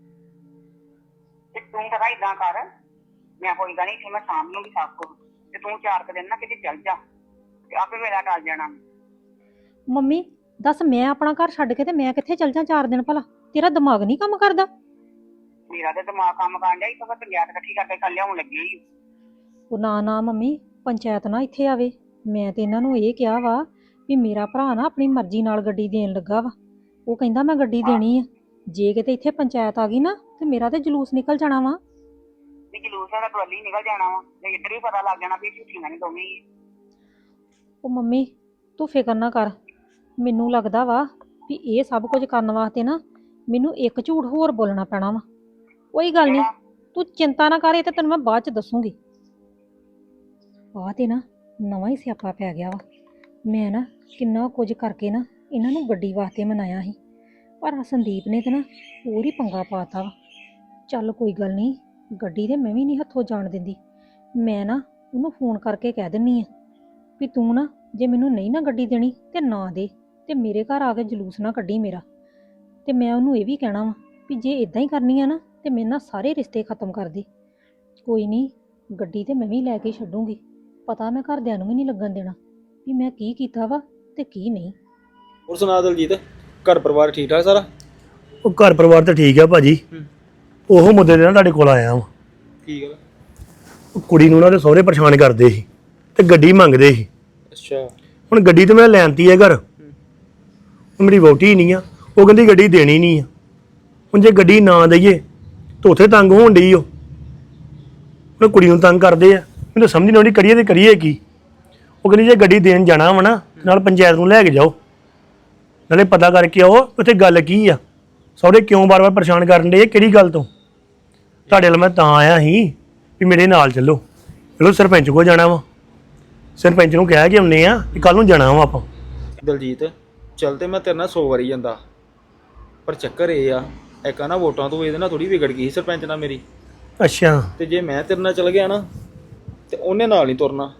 [SPEAKER 8] ਤੇ ਤੂੰ ਪਤਾ ਇਦਾਂ ਕਰ, ਮੈਂ ਕੋਈ ਗੱਲ ਨਹੀਂ, ਮੈਂ ਸਾਂਭ ਲੂੰਗੀ ਸਭ ਕੁਝ, ਤੇ ਤੂੰ 4 ਦਿਨ ਨਾ ਕਿਤੇ ਚੱਲ ਜਾ, ਤੇ ਆਪੇ ਵੇਲਾ ਟਲ ਜਾਣਾ।
[SPEAKER 7] ਮੰਮੀ ਦੱਸ, ਮੈਂ ਆਪਣਾ ਘਰ ਛੱਡ ਕੇ ਤੇ ਮੈਂ ਕਿੱਥੇ ਚੱਲ ਜਾ 4 ਦਿਨ? ਭਲਾ ਤੇਰਾ ਦਿਮਾਗ ਨਹੀਂ ਕੰਮ ਕਰਦਾ?
[SPEAKER 8] ਮੇਰਾ ਤੇ ਦਿਮਾਗ ਕੰਮ ਕਰਨ ਡਿਆ, ਇੱਥੋਂ ਪੰਚਾਇਤ ਇਕੱਠੀ ਕਰਕੇ ਕੱਲ ਲਿਆਉਣ ਲੱਗੀ ਸੀ।
[SPEAKER 7] ਉਹ ਨਾ ਮੰਮੀ, ਪੰਚਾਇਤ ਨਾ ਇੱਥੇ ਆਵੇ। ਮੈਂ ਤੇ ਇਹਨਾਂ ਨੂੰ ਇਹ ਕਿਹਾ ਵਾ ਵੀ ਮੇਰਾ ਭਰਾ ਨਾ ਆਪਣੀ ਮਰਜ਼ੀ ਨਾਲ ਗੱਡੀ ਦੇਣ ਲੱਗਾ ਵਾ, ਉਹ ਕਹਿੰਦਾ ਮੈਂ ਗੱਡੀ ਦੇਣੀ ਆ। ਜੇ ਕਿਤੇ ਇੱਥੇ ਪੰਚਾਇਤ ਆ ਗਈ ਨਾ, ਤੇ ਮੇਰਾ ਤੇ ਜਲੂਸ ਨਿਕਲ ਜਾਣਾ ਵਾ।
[SPEAKER 8] ਤੇ ਜਲੂਸ ਦਾ ਟਰਾਲੀ ਨਿਕਲ ਜਾਣਾ ਵਾ, ਤੇ ਇੱਧਰ ਵੀ ਪਤਾ ਲੱਗ ਜਾਣਾ ਵੀ ਝੂਠੀਆਂ ਨੇ ਦੋਵੇਂ ਹੀ।
[SPEAKER 7] ਉਹ ਮੰਮੀ ਤੂੰ ਫਿਕਰ ਨਾ ਕਰ, ਮੈਨੂੰ ਲੱਗਦਾ ਵਾ ਵੀ ਇਹ ਸਭ ਕੁਝ ਕਰਨ ਵਾਸਤੇ ਨਾ ਮੈਨੂੰ ਇੱਕ ਝੂਠ ਹੋਰ ਬੋਲਣਾ ਪੈਣਾ ਵਾ। ਕੋਈ ਗੱਲ ਨਹੀਂ, ਤੂੰ ਚਿੰਤਾ ਨਾ ਕਰ, ਇਹ ਤੇ ਤੈਨੂੰ ਮੈਂ ਬਾਅਦ ਚ ਦੱਸੂਗੀ। ਆਹ ਤੇ ਨਾ ਨਵਾਂ ਹੀ ਸਿਆਪਾ ਪੈ ਗਿਆ ਵਾ। ਮੈਂ ਨਾ ਕਿੰਨਾ ਕੁਝ ਕਰਕੇ ਨਾ ਇਹਨਾਂ ਨੂੰ ਗੱਡੀ ਵਾਸਤੇ ਮਨਾਇਆ ਸੀ, ਪਰ ਆਹ ਸੰਦੀਪ ਨੇ ਤੇ ਨਾ ਹੋਰ ਹੀ ਪੰਗਾ ਪਾਤਾ ਵਾ। ਚੱਲ ਕੋਈ ਗੱਲ ਨਹੀਂ, ਗੱਡੀ ਤੇ ਮੈਂ ਵੀ ਨਹੀਂ ਹੱਥੋਂ ਜਾਣ ਦਿੰਦੀ। ਮੈਂ ਨਾ ਉਹਨੂੰ ਫੋਨ ਕਰਕੇ ਕਹਿ ਦਿੰਨੀ ਆ ਵੀ ਤੂੰ ਨਾ ਜੇ ਮੈਨੂੰ ਨਹੀਂ ਨਾ ਗੱਡੀ ਦੇਣੀ ਤੇ ਨਾ ਦੇ, ਤੇ ਮੇਰੇ ਘਰ ਆ ਕੇ ਜਲੂਸ ਨਾ ਕੱਢੀ ਮੇਰਾ। ਤੇ ਮੈਂ ਉਹਨੂੰ ਇਹ ਵੀ ਕਹਿਣਾ ਵਾ ਵੀ ਜੇ ਇਦਾਂ ਹੀ ਕਰਨੀ ਆ ਨਾ ਤੇ ਮੇਰੇ ਨਾਲ ਸਾਰੇ ਰਿਸ਼ਤੇ ਖਤਮ ਕਰ ਦੇ। ਕੋਈ ਨਹੀਂ, ਗੱਡੀ ਤੇ ਮੈਂ ਵੀ ਲੈ ਕੇ ਛੱਡੂੰਗੀ। ਪਤਾ ਮੈਂ ਘਰਦਿਆਂ ਨੂੰ ਵੀ ਨਹੀਂ ਲੱਗਣ ਦੇਣਾ ਵੀ ਮੈਂ ਕੀ ਕੀਤਾ ਵਾ ਤੇ ਕੀ ਨਹੀਂ।
[SPEAKER 1] ਹੋਰ ਸੁਣਾ ਦਲਜੀਤ, ਘਰ ਪਰਿਵਾਰ ਠੀਕ ਠਾਕ ਸਾਰਾ?
[SPEAKER 2] ਉਹ ਘਰ ਪਰਿਵਾਰ ਤਾਂ ਠੀਕ ਆ ਭਾਜੀ। ਉਹ ਮੁੱਦੇ ਦੇ ਨਾਲ ਤੁਹਾਡੇ ਕੋਲ ਆਇਆ ਵਾਂ।
[SPEAKER 1] ਕੀ ਗੱਲ?
[SPEAKER 2] ਉਹ ਕੁੜੀ ਨੂੰ ਉਹਨਾਂ ਦੇ ਸਹੁਰੇ ਪਰੇਸ਼ਾਨ ਕਰਦੇ ਸੀ ਤੇ ਗੱਡੀ ਮੰਗਦੇ ਸੀ।
[SPEAKER 1] ਅੱਛਾ।
[SPEAKER 2] ਹੁਣ ਗੱਡੀ ਤੇ ਮੈਂ ਲੈਣਤੀ ਹੈ ਘਰ, ਮੇਰੀ ਵਹੁਟੀ ਨਹੀਂ ਆ, ਉਹ ਕਹਿੰਦੀ ਗੱਡੀ ਦੇਣੀ ਨਹੀਂ ਆ। ਹੁਣ ਜੇ ਗੱਡੀ ਨਾ ਦਈਏ ਤਾਂ ਉੱਥੇ ਤੰਗ ਹੋਣ ਡਈ ਉਹ। ਹੁਣ ਕੁੜੀ ਨੂੰ ਤੰਗ ਕਰਦੇ ਆ, ਮੈਨੂੰ ਸਮਝ ਨਹੀਂ ਆਉਂਦੀ ਕਰੀਏ ਤੇ ਕਰੀਏ ਕੀ। ਉਹ ਕਹਿੰਦੀ ਜੇ ਗੱਡੀ ਦੇਣ ਜਾਣਾ ਵਾ ਨਾ ਨਾਲ ਪੰਚਾਇਤ ਨੂੰ ਲੈ ਕੇ ਜਾਓ, ਨਾਲੇ ਪਤਾ ਕਰਕੇ ਆਓ ਉੱਥੇ ਗੱਲ ਕੀ ਆ, ਸਹੁਰੇ ਕਿਉਂ ਵਾਰ-ਵਾਰ ਪਰੇਸ਼ਾਨ ਕਰਨ ਡੇ, ਕਿਹੜੀ ਗੱਲ ਤੋਂ। ਤੁਹਾਡੇ ਨਾਲ ਮੈਂ ਤਾਂ ਆਇਆ ਸੀ ਵੀ ਮੇਰੇ ਨਾਲ ਚੱਲੋ। ਚਲੋ ਸਰਪੰਚ ਕੋਲ ਜਾਣਾ ਵਾ, ਸਰਪੰਚ ਨੂੰ ਕਹਿ ਕੇ ਆਉਂਦੇ ਆ ਕਿ ਕੱਲ ਨੂੰ ਜਾਣਾ ਵਾ ਆਪਾਂ।
[SPEAKER 1] ਦਲਜੀਤ ਚੱਲ ਤੇ ਮੈਂ ਤੇਰੇ ਨਾਲ 100 ਵਾਰੀ ਜਾਂਦਾ, ਪਰ ਚੱਕਰ ਇਹ ਆ ਇੱਕ ਆ ਨਾ ਵੋਟਾਂ ਤੋਂ ਇਹਦੇ ਨਾਲ ਥੋੜੀ ਵਿਗੜ ਗਈ ਸੀ ਸਰਪੰਚ ਨਾਲ ਮੇਰੀ।
[SPEAKER 2] ਅੱਛਾ।
[SPEAKER 1] ਤੇ ਜੇ ਮੈਂ ਤੇਰੇ ਨਾਲ ਚੱਲ ਗਿਆ ਨਾ ਤੇ ਉਹਨੇ ਨਾਲ ਨਹੀਂ ਤੁਰਨਾ।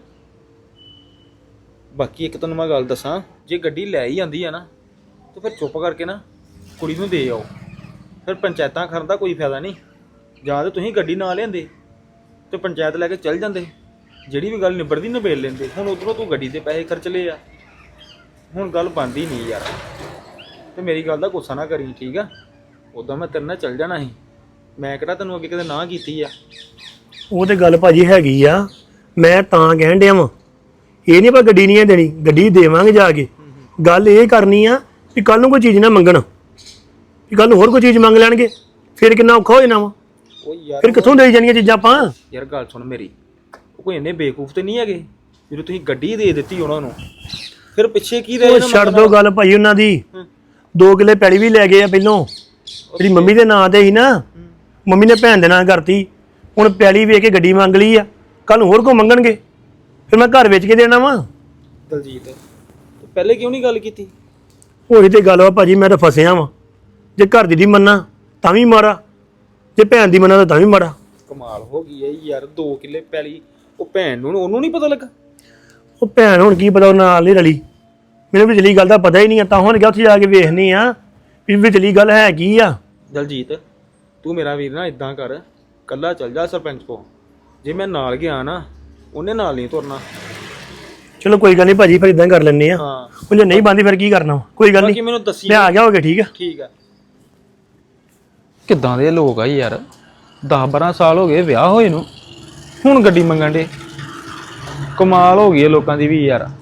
[SPEAKER 1] ਬਾਕੀ ਇੱਕ ਤੈਨੂੰ ਮੈਂ ਗੱਲ ਦੱਸਾਂ, ਜੇ ਗੱਡੀ ਲੈ ਹੀ ਜਾਂਦੀ ਆ ਨਾ ਤੇ ਫਿਰ ਚੁੱਪ ਕਰਕੇ ਨਾ ਕੁੜੀ ਨੂੰ ਦੇ ਆਓ। ਫਿਰ ਪੰਚਾਇਤਾਂ ਕਰਨ ਦਾ ਕੋਈ ਫਾਇਦਾ ਨਹੀਂ। ਜਾਂ ਤਾਂ ਤੁਸੀਂ ਗੱਡੀ ਨਾ ਲਿਆਂਦੇ ਤੇ ਪੰਚਾਇਤ ਲੈ ਕੇ ਚੱਲ ਜਾਂਦੇ, ਜਿਹੜੀ ਵੀ ਗੱਲ ਨਿਬੜਦੀ ਨਿਬੇੜ ਲੈਂਦੇ। ਹੁਣ ਉਧਰੋਂ ਤੂੰ ਗੱਡੀ ਦੇ ਪੈਸੇ ਖਰਚ ਲਏ ਆ, ਹੁਣ ਗੱਲ ਬਣਦੀ ਨਹੀਂ ਯਾਰ। ਤੇ ਮੇਰੀ ਗੱਲ ਦਾ ਗੁੱਸਾ ਨਾ ਕਰੀ, ਠੀਕ ਆ? ਉਦਾਂ ਮੈਂ ਤੇਰੇ ਨਾਲ ਚੱਲ ਜਾਣਾ ਸੀ, ਮੈਂ ਕਿਹੜਾ ਤੈਨੂੰ ਅੱਗੇ ਕਦੇ ਨਾ ਕੀਤੀ ਆ।
[SPEAKER 2] ਉਹ ਤੇ ਗੱਲ ਭਾਜੀ ਹੈਗੀ ਆ, ਮੈਂ ਤਾਂ ਕਹਿਣ ਡਿਆ ਵਾਂ ਇਹ ਨਹੀਂ ਆਪਾਂ ਗੱਡੀ ਨਹੀਂ ਦੇਣੀ, ਗੱਡੀ ਦੇਵਾਂਗੇ ਜਾ ਕੇ। ਗੱਲ ਇਹ ਕਰਨੀ ਆ ਵੀ ਕੱਲ ਨੂੰ ਕੋਈ ਚੀਜ਼ ਨਾ ਮੰਗਣ, ਵੀ ਕੱਲ ਨੂੰ ਹੋਰ ਕੋਈ ਚੀਜ਼ ਮੰਗ ਲੈਣਗੇ, ਫਿਰ ਕਿੰਨਾ ਔਖਾ ਹੋ ਜਾਣਾ ਵਾ।
[SPEAKER 1] ਉਹ ਯਾਰ
[SPEAKER 2] ਫਿਰ ਕਿੱਥੋਂ ਦੇ ਜਾਣੀਆਂ ਚੀਜ਼ਾਂ ਆਪਾਂ।
[SPEAKER 1] ਯਾਰ ਗੱਲ ਸੁਣ ਮੇਰੀ, ਉਹ ਕੋਈ ਇੰਨੇ ਬੇਵਕੂਫ ਤੇ ਨਹੀਂ ਹੈਗੇ। ਜਦੋਂ ਤੁਸੀਂ ਗੱਡੀ ਦੇ ਦਿੱਤੀ ਉਹਨਾਂ ਨੂੰ, ਫਿਰ ਪਿੱਛੇ ਕੀ ਰਹਿ
[SPEAKER 2] ਉਹ
[SPEAKER 1] ਜਾਣਾ?
[SPEAKER 2] ਛੱਡ ਦੋ ਗੱਲ ਭਾਈ ਉਹਨਾਂ ਦੀ। 2 ਕਿੱਲੇ ਪੈਲੀ ਵੀ ਲੈ ਗਏ ਆ ਪਹਿਲੋਂ, ਜਿਹੜੀ ਮੰਮੀ ਦੇ ਨਾਂ ਤੇ ਸੀ ਨਾ, ਮੰਮੀ ਨੇ ਭੈਣ ਦੇ ਨਾਂ ਕਰਤੀ। ਹੁਣ ਪੈਲੀ ਵੇਚ ਕੇ ਗੱਡੀ ਮੰਗ ਲਈ ਆ, ਕੱਲ ਨੂੰ ਹੋਰ ਕੋ ਮੰਗਣਗੇ, ਫਿਰ ਮੈਂ ਘਰ ਵੇਚ ਕੇ ਦੇਣਾ ਵਾ।
[SPEAKER 1] ਦਲਜੀਤ ਤੂੰ ਪਹਿਲੇ ਕਿਉਂ ਨਹੀਂ ਗੱਲ ਕੀਤੀ?
[SPEAKER 2] ਉਹੀ ਤੇ ਗੱਲ ਵਾ ਭਾਜੀ, ਮੈਂ ਤਾਂ ਫਸਿਆ ਵਾਂ। ਜੇ ਘਰ ਦੀ ਮੰਨਾਂ ਤਾਂ ਵੀ ਮਾਰਾ, ਜੇ ਭੈਣ ਦੀ ਮੰਨਾਂ ਤਾਂ ਵੀ ਮਾਰਾ।
[SPEAKER 1] ਕਮਾਲ ਹੋ ਗਈ ਹੈ ਯਾਰ, 2 ਕਿੱਲੇ ਪੈਲੀ ਉਹ ਭੈਣ ਨੂੰ ਉਹਨੂੰ ਨਹੀਂ ਪਤਾ ਲੱਗਾ?
[SPEAKER 2] ਉਹ ਭੈਣ ਹੁਣ ਕੀ ਪਤਾ, ਉਹ ਨਾਲ ਨਹੀਂ ਰਲੀ। ਮੈਨੂੰ ਵਿਚਲੀ ਗੱਲ ਦਾ ਪਤਾ ਹੀ ਨਹੀਂ ਆ, ਤਾਂ ਹੁਣ ਗਿਆ ਉੱਥੇ ਜਾ ਕੇ ਵੇਖਣੀ ਆ ਵੀ ਵਿਚਲੀ ਗੱਲ ਹੈ ਕੀ ਆ।
[SPEAKER 1] ਦਲਜੀਤ ਤੂੰ ਮੇਰਾ ਵੀਰ ਨਾ ਇਦਾਂ ਕਰ, ਕੱਲਾ ਚੱਲ ਜਾ ਸਰਪੰਚ ਕੋ। ਜੇ ਮੈਂ ਨਾਲ ਗਿਆ ਨਾ ਉਹਨੇ ਨਾਲ ਨਹੀਂ ਤੁਰਨਾ।
[SPEAKER 2] ਚਲੋ ਕੋਈ ਗੱਲ ਨਹੀਂ ਭਾਜੀ, ਫਿਰ ਇਦਾਂ ਕਰ ਲੈਂਦੇ ਆ।
[SPEAKER 1] ਹਾਂ
[SPEAKER 2] ਉਹ ਜੇ ਨਹੀਂ ਬੰਦੀ ਫਿਰ ਕੀ ਕਰਨਾ, ਕੋਈ ਗੱਲ
[SPEAKER 1] ਬਾਕੀ
[SPEAKER 2] ਨਹੀਂ,
[SPEAKER 1] ਮੈਨੂੰ ਦੱਸੀ।
[SPEAKER 2] ਮੈਂ ਆ ਗਿਆ ਹੋਗੇ। ਠੀਕ ਆ
[SPEAKER 1] ਠੀਕ ਆ। ਕਿੱਦਾਂ ਦੇ ਲੋਕ ਆ ਯਾਰ, 10-12 ਸਾਲ ਹੋ ਗਏ ਵਿਆਹ ਹੋਏ ਨੂੰ, ਹੁਣ ਗੱਡੀ ਮੰਗਣ ਦੇ। ਕਮਾਲ ਹੋ ਗਈ ਹੈ ਲੋਕਾਂ ਦੀ ਵੀ ਯਾਰ।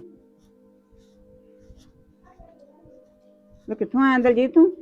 [SPEAKER 3] ਵੇ ਕਿੱਥੋਂ ਆਇਆ ਦਲਜੀਤ ਤੂੰ?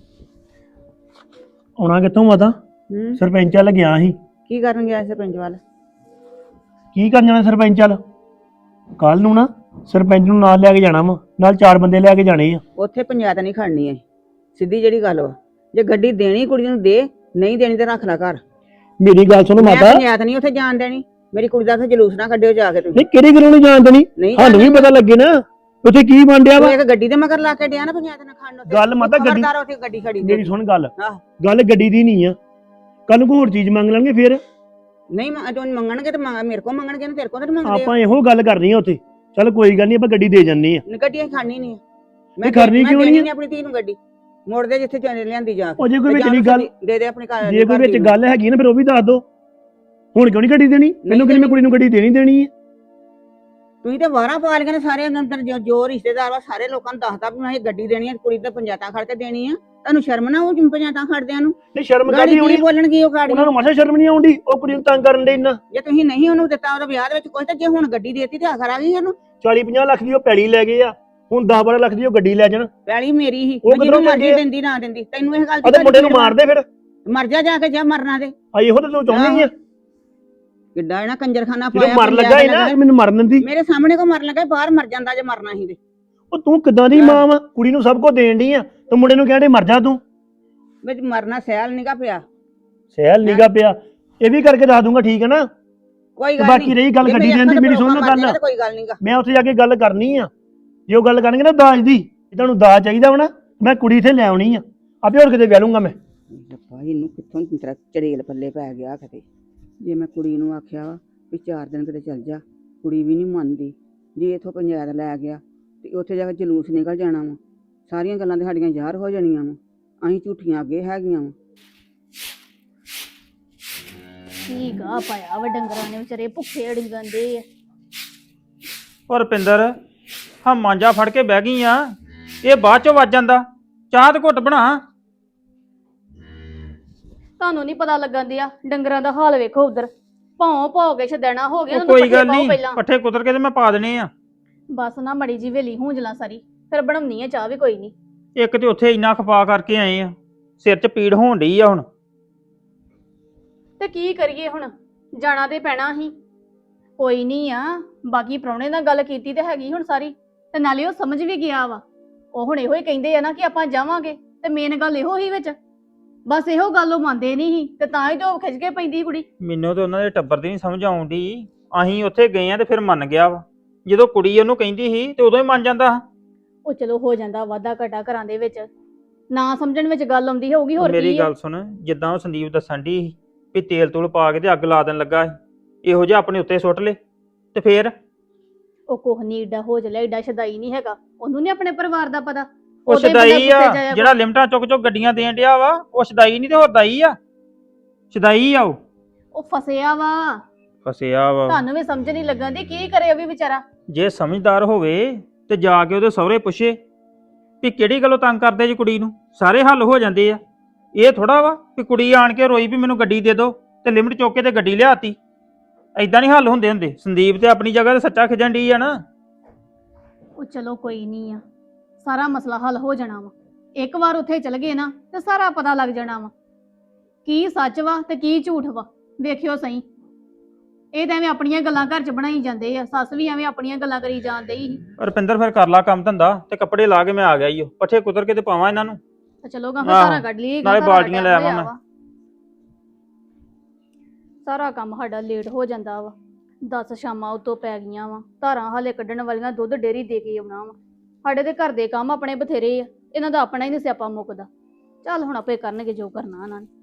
[SPEAKER 2] ਆਉਣਾ ਕਿੱਥੋਂ ਮਾਤਾ? ਸਰਪੰਚ ਵੱਲ ਗਿਆ ਸੀ।
[SPEAKER 3] ਕੀ ਕਰਨ ਗਿਆ ਸਰਪੰਚ ਵੱਲ?
[SPEAKER 2] ਕੀ ਕਰਨ ਜਾਣਾ ਸਰਪੰਚ ਵੱਲ? ਕੱਲ ਨੂੰ ਨਾ ਸਰਪੰਚ ਨੂੰ ਨਾਲ ਲੈ ਕੇ ਜਾਣਾ ਵਾ, ਨਾਲ 4 ਬੰਦੇ ਲੈ ਕੇ ਜਾਣੇ ਆ।
[SPEAKER 3] ਉੱਥੇ ਪੰਚਾਇਤ ਨਹੀਂ ਖੜਨੀ ਐ, ਸਿੱਧੀ ਜਿਹੜੀ ਗੱਲ ਵਾ। ਜੇ ਗੱਡੀ ਦੇਣੀ ਕੁੜੀ ਨੂੰ ਦੇ, ਨਹੀਂ ਦੇਣੀ ਤੇ ਰੱਖ ਲੈ ਘਰ।
[SPEAKER 2] ਮੇਰੀ ਗੱਲ ਸੁਣੋ
[SPEAKER 3] ਮੈਂ
[SPEAKER 2] ਮਾਤਾ।
[SPEAKER 3] ਪੰਚਾਇਤ ਨਹੀਂ ਉੱਥੇ ਜਾਣ ਦੇਣੀ। ਮੇਰੀ ਕੁੜੀ ਦਾ ਉੱਥੇ ਜਲੂਸ ਨਾ ਕੱਢਿਓ ਜਾ ਕੇ ਤੁਸੀਂ।
[SPEAKER 2] ਨਹੀਂ ਕਿਹੜੀ ਗੱਲੋਂ ਨਹੀਂ ਜਾਣ ਦੇਣੀ,
[SPEAKER 3] ਨਹੀਂ
[SPEAKER 2] ਸਾਨੂੰ ਵੀ ਪਤਾ ਲੱਗੇ ਨਾ ਉੱਥੇ ਕੀ ਬਣ ਡਿਆ ਵਾ।
[SPEAKER 3] ਤੂੰ ਇੱਕ ਗੱਡੀ ਦੇ ਮਗਰ ਲਾ ਕੇ ਡਿਆ ਨਾ ਪੰਚਾਇਤ ਨਾਲ ਖੜਨ ਉੱਤੇ।
[SPEAKER 2] ਗੱਲ ਮਾਤਾ ਗੱਡੀ,
[SPEAKER 3] ਖਬਰਦਾਰ ਉੱਥੇ ਗੱਡੀ ਖੜੀ ਤੇ।
[SPEAKER 2] ਮੇਰੀ ਸੁਣ ਗੱਲ,
[SPEAKER 3] ਆਹ।
[SPEAKER 2] ਗੱਲ ਗੱਡੀ ਦੀ ਨਹੀਂ ਆ। ਕੱਲ ਨੂੰ ਕੋਈ ਹੋਰ ਚੀਜ਼ ਮੰਗ ਲੈਣਗੇ ਫਿਰ
[SPEAKER 3] ਨਹੀਂ ਜੋ ਮੰਗਣਗੇ ਤੇ ਮੇਰੇ ਕੋਲ ਮੰਗਣਗੇ ਨਾ, ਤੇਰੇ ਕੋਲ ਤਾਂ ਮੰਗਦੇ
[SPEAKER 2] ਆਪਾਂ ਇਹੋ ਗੱਲ ਕਰਨੀ ਆ ਉੱਥੇ। ਚੱਲ ਕੋਈ ਗੱਲ ਨਹੀਂ, ਆਪਾਂ ਗੱਡੀ ਦੇ ਜੰਨੇ ਆ।
[SPEAKER 3] ਗੱਡੀ ਅਸੀਂ ਖਾਣੀ ਨਹੀਂ।
[SPEAKER 2] ਨਹੀਂ ਕਰਨੀ ਕਿਉਂ ਨਹੀਂ?
[SPEAKER 3] ਆਪਣੀ ਧੀ ਨੂੰ ਗੱਡੀ ਮੋੜ ਦੇ ਜਿੱਥੇ ਲਿਆਂਦੀ ਜਾ
[SPEAKER 2] ਉਹ ਜੇ ਕੋਈ ਵਿਚਲੀ ਗੱਲ,
[SPEAKER 3] ਦੇ ਦੇ ਆਪਣੀ ਘਰ।
[SPEAKER 2] ਜੇ ਕੋਈ ਵਿੱਚ ਗੱਲ ਹੈਗੀ ਨਾ ਫਿਰ ਉਹ ਵੀ ਦੱਸ ਦੋ। ਹੁਣ ਕਿਉਂ ਨਹੀਂ ਗੱਡੀ ਦੇਣੀ? ਮੈਨੂੰ ਕਿਹਨੇ ਮੈਂ ਕੁੜੀ ਨੂੰ ਗੱਡੀ ਦੇਣੀ ਹੈ।
[SPEAKER 3] ਤੁਸੀਂ ਤੇ ਵਾਰਾਂ ਪਾ ਲਈਆਂ ਨੇ ਸਾਰੇ ਅੰਦਰ, ਜੋ ਰਿਸ਼ਤੇਦਾਰ ਵਾ ਸਾਰੇ ਲੋਕਾਂ ਨੂੰ ਦੱਸਦਾ ਵੀ ਮੈਂ ਇਹ ਗੱਡੀ ਦੇਣੀ ਹੈ, ਕੁੜੀ ਤੇ ਪੰਚਾਇਤਾਂ ਖੜ ਕੇ ਦੇਣੀ ਆ। ਤੁਹਾਨੂੰ ਸ਼ਰਮ ਨਾ ਉਹ ਪੰਚਾਇਤਾਂ ਖੜਦਿਆਂ ਨੂੰ?
[SPEAKER 2] ਨਹੀਂ ਸ਼ਰਮ
[SPEAKER 3] ਗਾੜੀ
[SPEAKER 2] ਕਾਹਦੀ
[SPEAKER 3] ਕੀ
[SPEAKER 2] ਆਉਣੀ?
[SPEAKER 3] ਬੋਲਣਗੀ ਉਹ ਗਾੜੀ?
[SPEAKER 2] ਉਹਨਾਂ ਨੂੰ ਮਾਸਾ ਸ਼ਰਮ ਨਹੀਂ ਆਉਂਦੀ? ਉਹ ਕੁੜੀ ਨੂੰ ਤੰਗ ਕਰਨ ਦੇ ਇੰਨਾ।
[SPEAKER 3] ਜੇ ਤੁਸੀਂ ਨਹੀਂ ਉਹਨੂੰ ਦਿੱਤਾ ਉਹਦੇ ਵਿਆਹ ਦੇ ਵਿੱਚ ਕੁਝ, ਤੇ ਜੇ ਹੁਣ ਗੱਡੀ ਦੇਤੀ ਤੇ ਆਖਰ ਆ ਗਈ ਉਹਨੂੰ।
[SPEAKER 2] 40-50 ਲੱਖ ਦੀ ਉਹ ਪੈਲੀ ਲੈ ਗਏ ਆ, ਹੁਣ 10-12 ਲੱਖ ਦੀ ਉਹ ਗੱਡੀ ਲੈ ਜਾਣ।
[SPEAKER 3] ਪੈਲੀ ਮੇਰੀ ਹੀ,
[SPEAKER 2] ਉਹ
[SPEAKER 3] ਜਿਹਨੂੰ
[SPEAKER 2] ਕਿੱਧਰੋਂ
[SPEAKER 3] ਮਰਜ਼ੀ
[SPEAKER 2] ਮੰਗੇ?
[SPEAKER 3] ਦਿੰਦੀ ਨਾ ਦਿੰਦੀ, ਤੈਨੂੰ ਇਹ ਗੱਲ
[SPEAKER 2] ਉਹਦੇ ਮੁੰਡੇ ਨੂੰ ਮਾਰ ਦੇ ਫਿਰ।
[SPEAKER 3] ਮਰ ਜਾ ਕੇ, ਜਾ ਮਰਨਾ ਤੇ।
[SPEAKER 2] ਆ ਇਹੋ ਤਾਂ ਤੂੰ ਚਾਹੁੰਦੀ ਆ।
[SPEAKER 3] ਕਿੱਡਾ ਇਹਨਾਂ ਕੰਜਰਖਾਨਾ
[SPEAKER 2] ਜਦੋਂ
[SPEAKER 3] ਪਾਇਆ
[SPEAKER 2] ਮਰ ਲੱਗਾ ਹੀ ਨਾ ਮੈਨੂੰ ਮਰਨ ਦਿੰਦੀ।
[SPEAKER 3] ਮੇਰੇ ਸਾਹਮਣੇ ਕੋ ਮਰਨ ਲੱਗਾ, ਬਾਹਰ ਮਰ ਜਾਂਦਾ ਜੇ ਮਰਨਾ ਸੀ ਤੇ।
[SPEAKER 2] ਉਹ ਤੂੰ ਕਿੱਦਾਂ ਦੀ ਮਾਂ ਵਾ, ਕੁੜੀ ਨੂੰ ਸਭ ਕੁਝ ਦੇਣ ਡਈ ਆ, ਤੇ ਮੁੰਡੇ ਨੂੰ ਕਹਿੰਦੇ ਮਰ ਜਾ ਤੂੰ।
[SPEAKER 3] ਵਿੱਚ ਮਰਨਾ ਸਹਿਲ ਨਿਕਾ ਪਿਆ।
[SPEAKER 2] ਸਹਿਲ ਨਿਗਾ ਪਿਆ, ਇਹ ਵੀ ਕਰਕੇ ਦੱਸ ਦੂੰਗਾ, ਠੀਕ ਹੈ ਨਾ।
[SPEAKER 3] ਕੋਈ
[SPEAKER 2] ਤੇ
[SPEAKER 3] ਗੱਲ
[SPEAKER 2] ਬਾਕੀ
[SPEAKER 3] ਨਹੀਂ
[SPEAKER 2] ਰਹੀ ਗੱਲ ਗੱਡੀ ਦੇਣ ਦੀ, ਮੇਰੀ ਸੁਣ ਲਓ ਗੱਲ।
[SPEAKER 3] ਕੋਈ ਗੱਲ ਨਹੀਂਗਾ।
[SPEAKER 2] ਮੈਂ ਉੱਥੇ ਜਾ ਕੇ ਗੱਲ ਕਰਨੀ ਆ, ਜੇ ਉਹ ਗੱਲ ਕਰਨਗੇ ਨਾ ਦਾਜ ਦੀ, ਜੇ ਤੁਹਾਨੂੰ ਦਾਜ ਚਾਹੀਦਾ ਵਾ ਨਾ, ਮੈਂ ਕੁੜੀ ਇੱਥੇ ਲੈ ਆਉਣੀ ਆ, ਆਪੇ ਹੋਰ ਕਿਤੇ ਵਿਆਹ ਲੂੰਗਾ ਮੈਂ।
[SPEAKER 3] ਰੱਬਾ ਇਹਨੂੰ ਕਿੱਥੋਂ ਤੇਰਾ ਚੜੇਲ ਪੱਲੇ ਪੈ ਗਿਆ ਕਿਤੇ। ਜੇ ਮੈਂ ਕੁੜੀ ਨੂੰ ਆਖਿਆ ਵਾ ਵੀ 4 ਦਿਨ ਕਿਤੇ ਚੱਲ ਜਾ, ਕੁੜੀ ਵੀ ਨਹੀਂ ਮੰਨਦੀ। ਜੇ ਇੱਥੋਂ ਪੰਚਾਇਤ ਲੈ ਗਿਆ ਤੇ ਉੱਥੇ ਜਾ ਕੇ ਜਲੂਸ ਨਿਕਲ ਜਾਣਾ ਵਾ, ਸਾਰੀਆਂ ਗੱਲਾਂ ਤੇ ਸਾਡੀਆਂ ਜ਼ਾਹਰ ਹੋ ਜਾਣੀਆਂ ਵਾ, ਅਸੀਂ ਝੂਠੀਆਂ ਅੱਗੇ ਹੈਗੀਆਂ ਵਾ।
[SPEAKER 6] ਕੀ ਗਾ ਪਾਇਆ ਵਾ ਡੰਗਰਾਂ ਨੇ, ਵਿਚਾਰੇ ਭੁੱਖੇ ਅੜੀਆਂ ਦੇ ਆ।
[SPEAKER 5] ਔਰ ਰੁਪਿੰਦਰ ਹਾਂ ਮਾਂਜਾ ਫੜ ਕੇ ਬਹਿ ਗਈ ਆ, ਇਹ ਬਾਅਦ ਚੋਂ ਵੱਜ ਜਾਂਦਾ। ਚਾਹ ਤੇ ਘੁੱਟ ਬਣਾ।
[SPEAKER 6] ਤੁਹਾਨੂੰ ਨਹੀਂ ਪਤਾ ਲੱਗਣ ਦਿਆ, ਡੰਗਰਾਂ ਦਾ ਹਾਲ ਵੇਖੋ ਉਧਰ, ਭੌਂ ਕੇ ਛਦੈਣਾ ਹੋ ਗਿਆ।
[SPEAKER 5] ਉਹ ਕੋਈ ਗੱਲ ਨਹੀਂ, ਪੱਠੇ ਕੁਤਰ ਕੇ ਤੇ ਮੈਂ ਪਾ ਦੇਣੇ ਆ।
[SPEAKER 6] ਬਸ ਨਾ ਮੜੀ ਜੀ ਵੇਲੀ ਹੂੰਜਲਾ ਸਾਰੀ, ਫਿਰ ਬਣਾਉਣੀ ਆ ਚਾਹ ਵੀ ਕੋਈ ਨਹੀਂ।
[SPEAKER 5] ਇੱਕ ਤੇ ਉੱਥੇ ਇੰਨਾ ਖਪਾ ਕਰਕੇ ਆਏ ਆ, ਸਿਰ 'ਚ ਪੀੜ ਹੋਣ ਡਈ ਆ ਹੁਣ।
[SPEAKER 6] ਤੇ ਕੀ ਕਰੀਏ ਹੁਣ, ਜਾਣਾ ਤੇ ਪੈਣਾ ਹੀ। ਕੋਈ ਨਹੀਂ ਆ, ਬਾਕੀ ਪ੍ਰਾਹੁਣੇ ਨਾਲ ਗੱਲ ਕੀਤੀ ਤੇ ਹੈਗੀ ਹੁਣ ਸਾਰੀ, ਤੇ ਨਾਲੇ ਉਹ ਸਮਝ ਵੀ ਗਿਆ ਵਾ। ਉਹ ਹੁਣ ਇਹੋ ਹੀ ਕਹਿੰਦੇ ਆ ਨਾ ਕਿ ਆਪਾਂ ਜਾਵਾਂਗੇ, ਤੇ ਮੇਨ ਗੱਲ ਇਹੋ ਹੀ ਵਿੱਚ, ਬਸ ਇਹੋ ਗੱਲ ਉਹ ਮੰਨਦੇ ਨਹੀਂ ਸੀ, ਤੇ ਤਾਂ ਹੀ ਤੇ ਉਹ ਖਿੱਚ ਕੇ ਪੈਂਦੀ ਕੁੜੀ।
[SPEAKER 5] ਮੈਨੂੰ ਤੇ ਉਹਨਾਂ ਦੇ ਟੱਬਰ ਦੀ ਨਹੀਂ ਸਮਝ ਆਉਣ ਡਈ। ਅਸੀਂ ਉੱਥੇ ਗਏ ਆ ਤੇ ਫਿਰ ਮੰਨ ਗਿਆ ਵਾ, ਜਦੋਂ ਕੁੜੀ ਉਹਨੂੰ ਕਹਿੰਦੀ ਸੀ ਤੇ ਉਦੋਂ ਹੀ ਮੰਨ ਜਾਂਦਾ।
[SPEAKER 6] ਉਹ ਚਲੋ ਹੋ ਜਾਂਦਾ ਵਾਧਾ ਘਟਾ ਘਰਾਂ ਦੇ ਵਿੱਚ, ਨਾ ਸਮਝਣ ਵਿੱਚ ਗੱਲ ਆਉਂਦੀ ਹੋਊਗੀ, ਹੋਰ
[SPEAKER 5] ਮੇਰੀ
[SPEAKER 6] ਕੀ ਆ।
[SPEAKER 5] ਗੱਲ ਸੁਣ, ਜਿੱਦਾਂ ਉਹ ਸੰਦੀਪ ਦੱਸਣ ਡਈ ਸੀ ਵੀ ਤੇਲ ਤੂਲ ਪਾ ਕੇ ਤੇ ਅੱਗ ਲਾ ਦੇਣ ਲੱਗਾ ਸੀ, ਇਹੋ ਜਿਹਾ ਆਪਣੇ ਉੱਤੇ ਸੁੱਟ ਲੇ ਤੇ ਫੇਰ।
[SPEAKER 6] ਉਹ ਕੁਛ ਨੀ ਏਡਾ ਹੋ ਜਲਿਆ, ਏਡਾ ਸ਼ਦਾਈ ਨਹੀਂ ਹੈਗਾ, ਉਹਨੂੰ ਨੀ ਆਪਣੇ ਪਰਿਵਾਰ ਦਾ ਪਤਾ।
[SPEAKER 5] ਉਹ
[SPEAKER 6] ਉਹਦੇ ਬੰਦਾ
[SPEAKER 5] ਸ਼ਦਾਈ ਆ,
[SPEAKER 6] ਗੁੱਸੇ ਜਾਇਆ
[SPEAKER 5] ਜਿਹੜਾ ਲਿਮਟਾਂ ਚੁੱਕ ਚੁੱਕ ਗੱਡੀਆਂ ਦੇਣ ਡਿਆ ਵਾ, ਉਹ ਸ਼ਦਾਈ ਨਹੀਂ ਤੇ ਹੋਰ ਦਾਈ ਆ। ਸ਼ਦਾਈ ਆ ਉਹ
[SPEAKER 6] ਉਹ ਫਸਿਆ ਵਾ।
[SPEAKER 5] ਫਸਿਆ ਵਾ।
[SPEAKER 6] ਤੁਹਾਨੂੰ ਵੀ ਸਮਝ ਨਹੀਂ ਲੱਗਣ ਦੀ, ਕੀ ਕਰੇ ਉਹ ਵੀ ਵਿਚਾਰਾ।
[SPEAKER 5] ਜੇ ਸਮਝਦਾਰ ਹੋਵੇ ਤੇ ਜਾ ਕੇ ਉਹਦੇ ਸਹੁਰੇ ਪੁੱਛੇ ਵੀ ਕਿਹੜੀ ਗੱਲੋਂ ਤੰਗ ਕਰਦੇ ਜੀ ਕੁੜੀ ਨੂੰ, ਸਾਰੇ ਹੱਲ ਹੋ ਜਾਂਦੇ ਆ। ਇਹ ਥੋੜਾ ਵਾ ਵੀ ਕੁੜੀ ਆਣ ਕੇ ਰੋਈ ਵੀ ਮੈਨੂੰ ਗੱਡੀ ਦੇ ਦਿਓ ਤੇ ਲਿਮਟ ਚੁੱਕ ਕੇ ਤੇ ਗੱਡੀ ਲਿਆਤੀ। ਐਦਾਂ ਨਹੀਂ ਹੱਲ ਹੁੰਦੇ। ਸੰਦੀਪ ਤੇ ਆਪਣੀ ਜਗ੍ਹਾ ਤੇ ਸੱਚਾ ਖਿਜਣ ਡਈ ਆ ਨਾ।
[SPEAKER 6] ਉਹ ਚਲੋ ਕੋਈ ਨਹੀਂ ਆ, ਸਾਰਾ ਮਸਲਾ ਹੱਲ ਹੋ ਜਾਣਾ ਵਾ। ਇੱਕ ਵਾਰ ਉੱਥੇ ਚਲ ਗਏ ਨਾ ਤੇ ਸਾਰਾ ਪਤਾ ਲੱਗ ਜਾਣਾ ਵਾ, ਕੀ ਸੱਚ ਵਾ ਤੇ ਕੀ ਝੂਠ ਵਾ। ਵੇਖਿਓ ਸਹੀ, ਇਹ ਤਾਂ ਐਵੇਂ ਆਪਣੀਆਂ ਗੱਲਾਂ ਘਰ 'ਚ ਬਣਾਈ ਜਾਂਦੇ ਆ। ਸੱਸ ਵੀ ਐਵੇਂ ਆਪਣੀਆਂ ਗੱਲਾਂ ਕਰੀ ਜਾਂਦੇ ਹੀ।
[SPEAKER 5] ਰੁਪਿੰਦਰ ਫਿਰ ਕਰ ਲਾ ਕੰਮ ਧੰਦਾ ਤੇ ਕੱਪੜੇ ਲਾ ਕੇ ਮੈਂ ਆ ਗਿਆ ਈ ਓ, ਪੱਠੇ ਕੁਤਰ ਕੇ ਤੇ ਪਾਵਾਂ ਇਹਨਾਂ ਨੂੰ।
[SPEAKER 6] ਤੇ ਚਲੋ ਗਾ ਫਿਰ ਸਾਰਾ ਕੱਢ ਲਈਏ,
[SPEAKER 5] ਨਾਲੇ ਬਾਲਟੀਆਂ ਲੈ ਆਵਾਂ ਮੈਂ।
[SPEAKER 6] ਸਾਰਾ ਕੰਮ ਸਾਡਾ ਲੇਟ ਹੋ ਜਾਂਦਾ ਵਾ। 10 ਸ਼ਾਮਾਂ ਉਤੋਂ ਪੈ ਗਈਆਂ ਵਾ, ਧਾਰਾਂ ਹਾਲੇ ਕੱਢਣ ਵਾਲੀਆਂ, ਦੁੱਧ ਡੇਅਰੀ ਦੇ ਕੇ ਆਉਣਾ ਵਾ। ਸਾਡੇ ਦੇ ਘਰ ਦੇ ਕੰਮ ਆਪਣੇ ਬਥੇਰੇ ਆ, ਇਹਨਾਂ ਦਾ ਆਪਣਾ ਹੀ ਨਹੀਂ ਸਿਆਪਾ ਮੁੱਕਦਾ। ਚੱਲ ਹੁਣ ਆਪੇ ਕਰਨਗੇ ਜੋ ਕਰਨਾ ਇਹਨਾਂ ਨੇ।